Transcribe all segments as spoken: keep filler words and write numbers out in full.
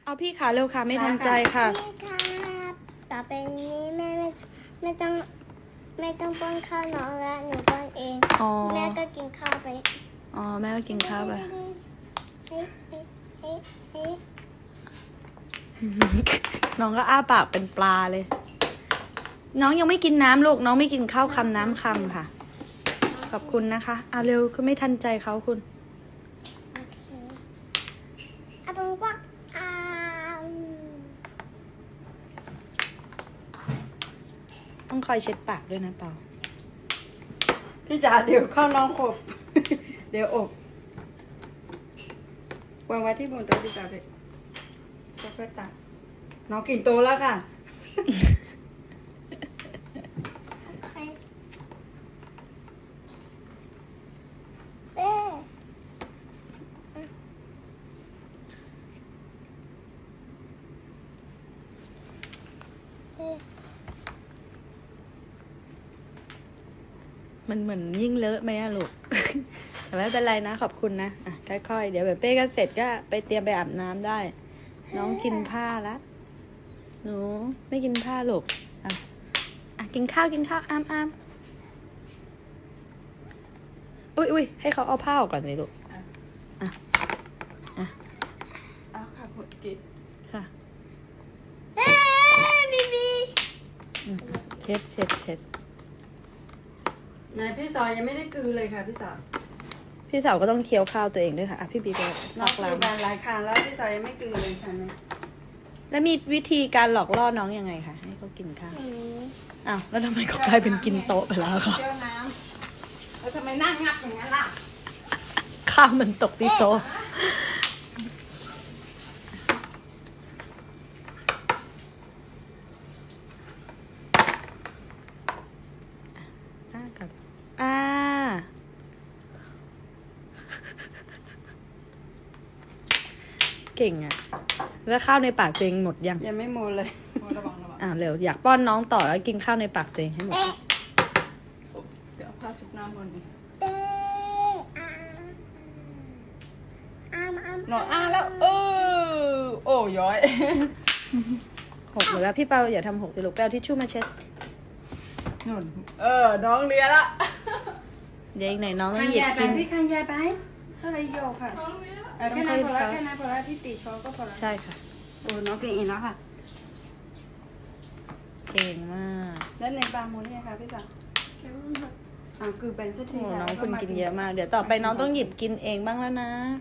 เอาพี่ขาเร็วค่ะไม่ทันใจค่ะพี่ครับต่อไปนี้แม่ไม่ไม่ต้องไม่ต้องป้อนข้าวน้องแล้วหนูป้อนเองแม่ก็กินข้าวไปอ๋อแม่ก็กินข้าวไปน้องก็อ้าปากเป็นปลาเลยน้องยังไม่กินน้ำลูกน้องไม่กินข้าวคำน้ำคำค่ะขอบคุณนะคะอ่ะเร็วคือไม่ทันใจเขาคุณโอเคอ่ะเป็นว่าอ่าต้องคอยเช็ดปากด้วยนะเปล่าพี่จ๋าเดี๋ยวเข้าน้องขบ เดี๋ยวอบวางไว้ที่บนโต๊ะพี่จ๋าเลยค่อยๆตักน้องกินโตแล้วค่ะโอเคเอ๊ะเอ๊ะมันเหมือนยิ่งเลอะไหมอะลูก แต่ไม่เป็นไรนะขอบคุณนะอ่ะค่อยๆเดี๋ยวแบบเป้ก็เสร็จก็ไปเตรียมไปอาบน้ำได้น้องกินผ้าละหนูไม่กินผ้าลูกอ่ะอ่ะกินข้าวกินข้าวอ้ามอ้ามอุ้ยอุ้ยให้เขาเอาผ้าออกก่อนเลยลูกอ่ะอ่ะเอาค่ะผดกินค่ะเอ๊ะบีบีอืมเช็ดเช็ดเช็ดไหนพี่ซอยยังไม่ได้กลืนเลยค่ะพี่สาวพี่สาวก็ต้องเคี้ยวข้าวตัวเองด้วยค่ะอ่ะพี่บีก็น้หลองอกกลืล้านบานหลายครั้งแล้วพี่ซอยยังไม่กลืนเลยใช่ไหมแล้วมีวิธีการหลอกล่อน้องยังไงคะให้เขากินข้าวอืมอ้าวแล้วทำไมเขากลายเป็นกินโต๊ะไปแล้วคะเจ้าน้ำแล้วทำไมนั่งงับอย่างนั้นล่ะข้าวมันตกที่โต๊ะอ่ากับอ่าเก่งอ่ะ แล้วข้าวในปากตัวเองหมดยังยังไม่หมดเลยระวังระวังอ่าเร็วอยากป้อนน้องต่อแล้วกินข้าวในปากตัวเองให้หมดเอ๊ะเดี๋ยวเอาผ้าชุบน้ำบนเอ๊ะอ่าอ้ามอ้ามหนอนอ้าแล้วเออโอ้ย้อยหกหมดแล้วพี่เปาอย่าทำหกสิลูกไปเอาทิชชู่มาเช็ดนุ่นเออน้องเลียละเดี๋ยวอีกไหนน้องต้อข้าง งหยิบยายไปกินพี่ข้างยายไปเท่าไรโยกค่ะเออแค่นั้นพอละแค่นั้นพอละที่ตีช้อนก็พอละใช่ค่ะโอ้น้องเก่งอีกแล้วค่ะเก่งมากแล้วในปลาโมเนี่ยค่ะพี่สาวอ่าคือเป็นสักทีโอ้ค่ะน้องคุณกินเยอะมาก เดี๋ยวต่อไปน้องต้องหยิบกินเองบ้างแล้วนะ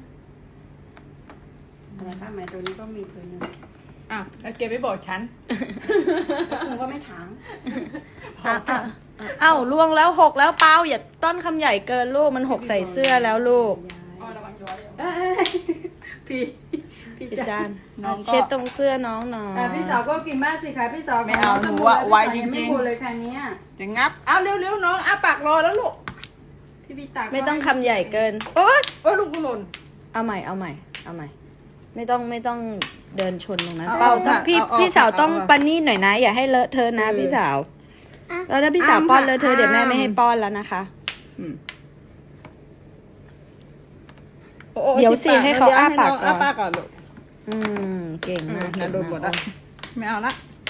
อะไรป้าไหมตัวนี้ก็มีผืนนึงอ่ะแล้วเกไม่บอกฉันคุณก็ไม่ถามอ่ะอ่ะเอ้าล่วงแล้วหกแล้วเปล่าอย่าต้อนคำใหญ่เกินลูกมันหกใส่เสื้อแล้วลูกอ๋อระวังย้อยเอ้ยพี่พี่พี่จาจาน นเช็ดตรงเสื้อน้องหน่อยอ่ะพี่สาวก็กินบ้างสิคะพี่สาวไม่เอาหนูอะไวจไม่ริงพูดเลยค่ะเนี้ยๆจะงับเอาเร็วๆน้องอ้าปากรอแล้วลูกพี่พี่ตักไม่ต้องคำใหญ่เกินโอ๊ยโอ้ยลูกกูหล่นเอาใหม่เอาใหม่เอาใหม่ ไม่ต้องไม่ต้องเดินชนตรงนั้นเอาเปล่าต้องเอาพี่เอาเอาพี่สาวต้องเอาเอาปานี่หน่อยนะ อย่าให้เลอะเทอะนะพี่สาว แล้วถ้าพี่สาวอ้ามป้อนเลอะเทอะค่ะเดี๋ยวแม่อ้ามไม่ให้ป้อนแล้วนะคะอืมโอ้โอ้เดี๋ยวสิที่ให้เขาอ้าปากก่อนอ้าปากก่อนลูกอืมเก่งอืมมากน่าโดนหมดละไม่เอาละ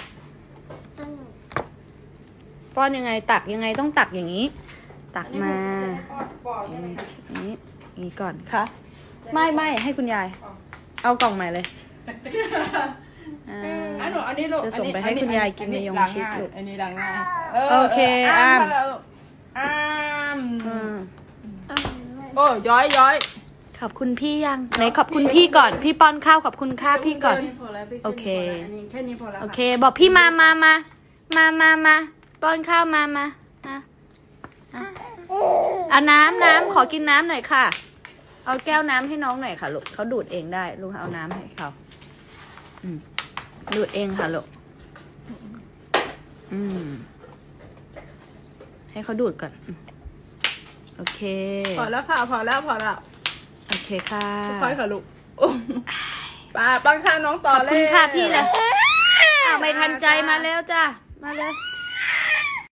ป้อนยังไงตักยังไงต้องตักอย่างนี้ ตักมาอย่างนี้อย่างนี้อย่างนี้ก่อนค่ะไม่ไม่ให้คุณยาย เอากล่องใหม่เลยอ่าอันหนูอันนี้ลูกจะส่งไปให้คุณยายกินในยงชิดลูกอันนี้ดังง่ายโอเคอ้ามอ้ามอืมโอ้ย้อยย้อยขอบคุณพี่ยังไหนขอบคุณพี่ก่อน พี่ป้อนข้าวขอบคุณค่าพี่ก่อนแค่นี้พอแล้วพี่โอเคอันนี้แค่นี้พอแล้วโอค่ะเค บอกพี่มามามามามามาป้อนข้าวมามามาอ่ะเอาน้ำน้ำขอกินน้ำหน่อยค่ะ เอาแก้วน้ำให้น้องหน่อยค่ะลูกเขาดูดเองได้ลูกเอาน้ำให้เขาอืมดูดเองค่ะลูกอืมให้เขาดูดก่อนอืมโอเคพอแล้วค่ะพอแล้วพอแล้วโอเคค่ะค่อยๆค่ะลูกโอ้ป้าป้อนข้าวน้องต่อขอบเลยคุณค่ะพี่เลยอ้าวไม่ทันใจมาเร็วจ้ะมาเลย